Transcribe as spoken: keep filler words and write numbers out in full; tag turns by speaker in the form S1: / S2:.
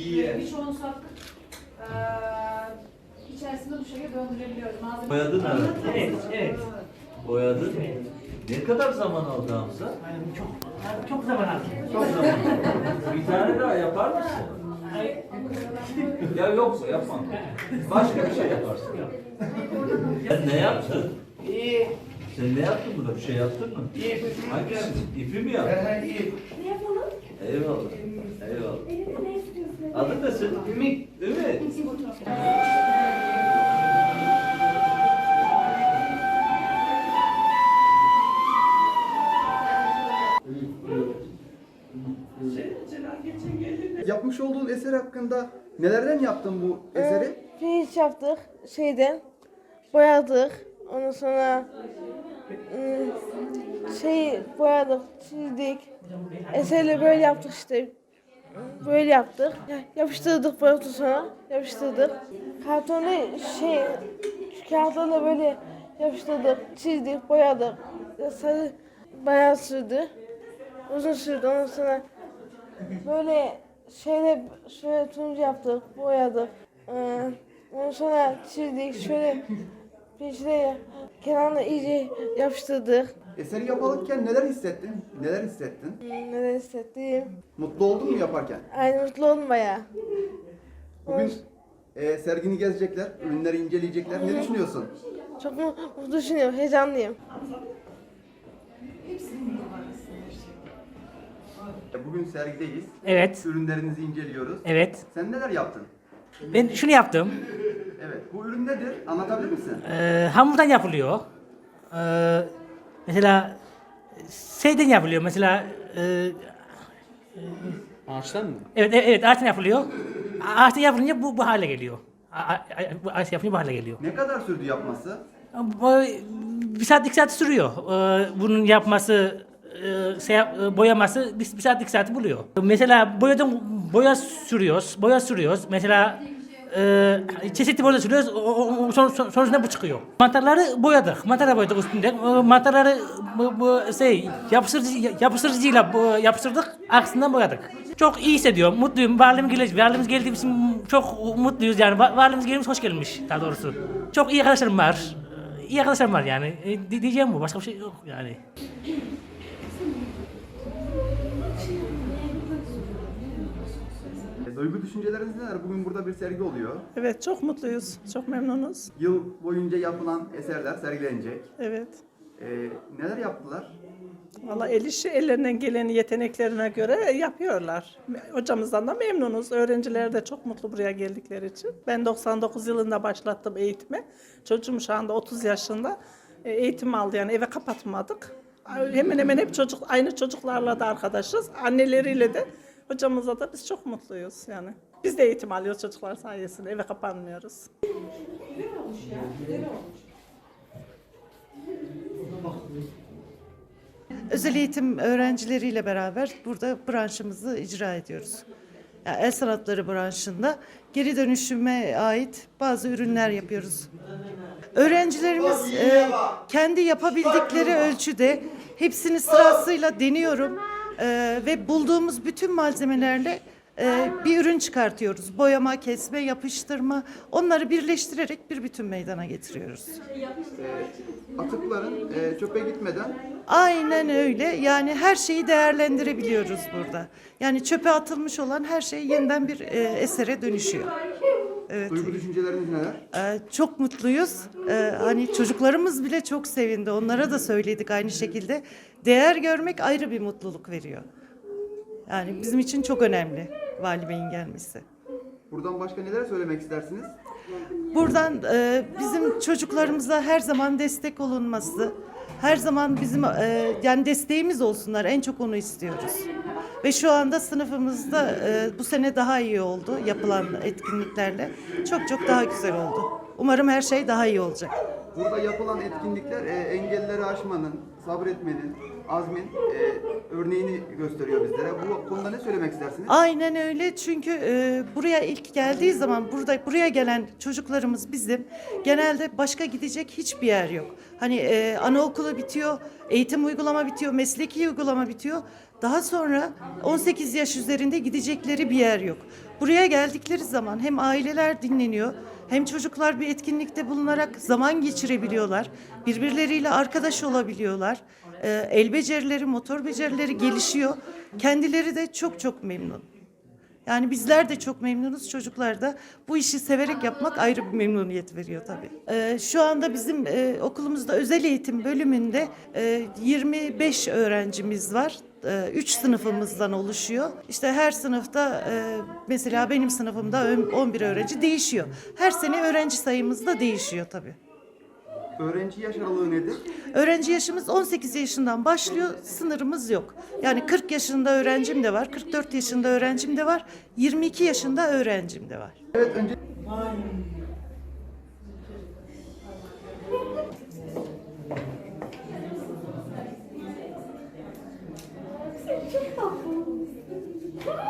S1: Birçoğunu sattık. Ee, içerisinde bu şekilde döndürebiliyoruz. Malzeme
S2: Boyadın mı?
S3: Evet, evet.
S2: Boyadın. Ne kadar zaman aldı Hamza?
S3: Yani çok çok zaman aldı.
S2: Çok zaman. Bir tane daha yapar mısın? Ya yoksa yapmam. Başka bir şey yaparsın. Sen ne yaptın?
S3: İyi.
S2: Sen ne yaptın burada? Bir şey yaptın mı?
S3: İyi.
S2: Hangisi? İpi mi yaptın?
S3: İyi.
S4: Ne yapalım?
S2: Eyvallah. Eyvallah.
S4: Elinde ne istiyorsun?
S2: Adın ne senin? Ümit. Ümit.
S5: Yapmış olduğun eser hakkında nelerden yaptın bu eseri?
S6: Ee, pirinç yaptık şeyden, boyadık. Ondan sonra ım, şey boyadık, çizdik. Eserle böyle yaptık işte. Böyle yaptık. Ya- Yapıştırdık boyadık sonra. Yapıştırdık. Kartonu şey, şu kağıtlarla böyle yapıştırdık, çizdik, boyadık. Sarı bayağı sürdü. Uzun sürdü. Ondan sonra böyle şeyle şöyle turuncu yaptık, boyadık. Ee, ondan sonra çizdik, şöyle peşine kenarına iyice yapıştırdık.
S5: Eseri yaparken neler hissettin? Neler hissettin?
S6: Hmm, Neler hissettim.
S5: Mutlu oldun mu yaparken?
S6: Aynı mutlu oldum bayağı.
S5: Bugün e, sergini gezecekler, ürünleri inceleyecekler. Ne düşünüyorsun?
S6: Çok mu- mutlu düşünüyorum, heyecanlıyım.
S5: E, Bugün sergideyiz.
S3: Evet.
S5: Ürünlerinizi inceliyoruz.
S3: Evet.
S5: Sen neler yaptın?
S3: Ben şunu yaptım.
S5: Evet. Bu ürün nedir? Anlatabilir misin?
S3: Ee, hamurdan yapılıyor. Ee, mesela şeyden yapılıyor. Mesela e,
S7: Ağaçtan mı?
S3: evet evet, evet ağaçtan yapılıyor. Ağaçtan yapılınca bu bu hale geliyor. A- a- a- Bu ağaç yapınca bu hale geliyor.
S5: Ne kadar sürdü yapması?
S3: Bu, bir saat iki saat sürüyor. Ee, bunun yapması, e, şey, yap- e, boyaması bir, bir saat iki saat buluyor. Mesela boyadan boya sürüyoruz, boya sürüyoruz. Mesela e, çeşitli boya sürüyoruz. O, o, o, son, son- sonucunda bu çıkıyor. Mantarları boyadık, mantarları boyadık üstünde. E, mantarları bu, bu şey yapıştırıcı yapıştırıcıyla bu, yapıştırdık, aksından boyadık. Çok iyi hissediyorum, mutluyum. Varlığımız geldi, varlığımız geldiği için çok mutluyuz yani. Va- Varlığımız gelmiş hoş gelmiş daha doğrusu. Çok iyi arkadaşlarım var. İyi arkadaşlarım var yani. E, di- diyeceğim bu. Başka bir şey yok yani.
S5: E, duygu düşünceleriniz neler? Bugün burada bir sergi oluyor.
S8: Evet, çok mutluyuz, çok memnunuz.
S5: Yıl boyunca yapılan eserler sergilenecek.
S8: Evet.
S5: E, neler yaptılar?
S8: Valla el işi ellerinden geleni yeteneklerine göre yapıyorlar. Hocamızdan da memnunuz. Öğrenciler de çok mutlu buraya geldikleri için. Ben doksan dokuz yılında başlattım eğitimi. Çocuğum şu anda otuz yaşında. E, Eğitim aldı yani eve kapatmadık. Hemen hemen hep çocuk aynı çocuklarla da arkadaşız. Anneleriyle de hocamızla da biz çok mutluyuz yani. Biz de eğitim alıyoruz çocuklar sayesinde. Eve kapanmıyoruz.
S9: Özel eğitim öğrencileriyle beraber burada branşımızı icra ediyoruz. Yani el sanatları branşında geri dönüşüme ait bazı ürünler yapıyoruz. Öğrencilerimiz e, kendi yapabildikleri ölçüde hepsini sırasıyla deniyorum e, ve bulduğumuz bütün malzemelerle e, bir ürün çıkartıyoruz. Boyama, kesme, yapıştırma, onları birleştirerek bir bütün meydana getiriyoruz.
S5: Atıkların e, çöpe gitmeden
S9: Aynen öyle. Yani her şeyi değerlendirebiliyoruz burada. Yani çöpe atılmış olan her şey yeniden bir e, esere dönüşüyor. Evet.
S5: duygu düşünceleriniz neler?
S9: Ee, çok mutluyuz. Ee, hani çocuklarımız bile çok sevindi. Onlara da söyledik aynı şekilde. Değer görmek ayrı bir mutluluk veriyor. Yani bizim için çok önemli Vali Bey'in gelmesi.
S5: Buradan başka neler söylemek istersiniz?
S9: Buradan e, bizim çocuklarımıza her zaman destek olunması, her zaman bizim e, yani desteğimiz olsunlar. En çok onu istiyoruz. Ve şu anda sınıfımızda e, bu sene daha iyi oldu yapılan etkinliklerle. Çok çok daha güzel oldu. Umarım her şey daha iyi olacak.
S5: Burada yapılan etkinlikler e, engelleri aşmanın, sabretmenin, azmin e, örneğini gösteriyor bizlere. Bu konuda ne söylemek istersiniz?
S9: Aynen öyle çünkü e, buraya ilk geldiği zaman burada buraya gelen çocuklarımız bizim genelde başka gidecek hiçbir yer yok. Hani e, anaokulu bitiyor, eğitim uygulama bitiyor, mesleki uygulama bitiyor. Daha sonra on sekiz yaş üzerinde gidecekleri bir yer yok. Buraya geldikleri zaman hem aileler dinleniyor, hem çocuklar bir etkinlikte bulunarak zaman geçirebiliyorlar. Birbirleriyle arkadaş olabiliyorlar. Ee, el becerileri, motor becerileri gelişiyor. Kendileri de çok çok memnun. Yani bizler de çok memnunuz, çocuklar da. Bu işi severek yapmak ayrı bir memnuniyet veriyor tabii. Ee, şu anda bizim e, okulumuzda özel eğitim bölümünde e, yirmi beş öğrencimiz var. E, üç sınıfımızdan oluşuyor. İşte her sınıfta e, mesela benim sınıfımda on bir öğrenci değişiyor. Her sene öğrenci sayımız da değişiyor tabii.
S5: Öğrenci yaş aralığı nedir?
S9: Öğrenci yaşımız on sekiz yaşından başlıyor, sınırımız yok. Yani kırk yaşında öğrencim de var, kırk dört yaşında öğrencim de var, yirmi iki yaşında öğrencim de var.
S5: Evet, önce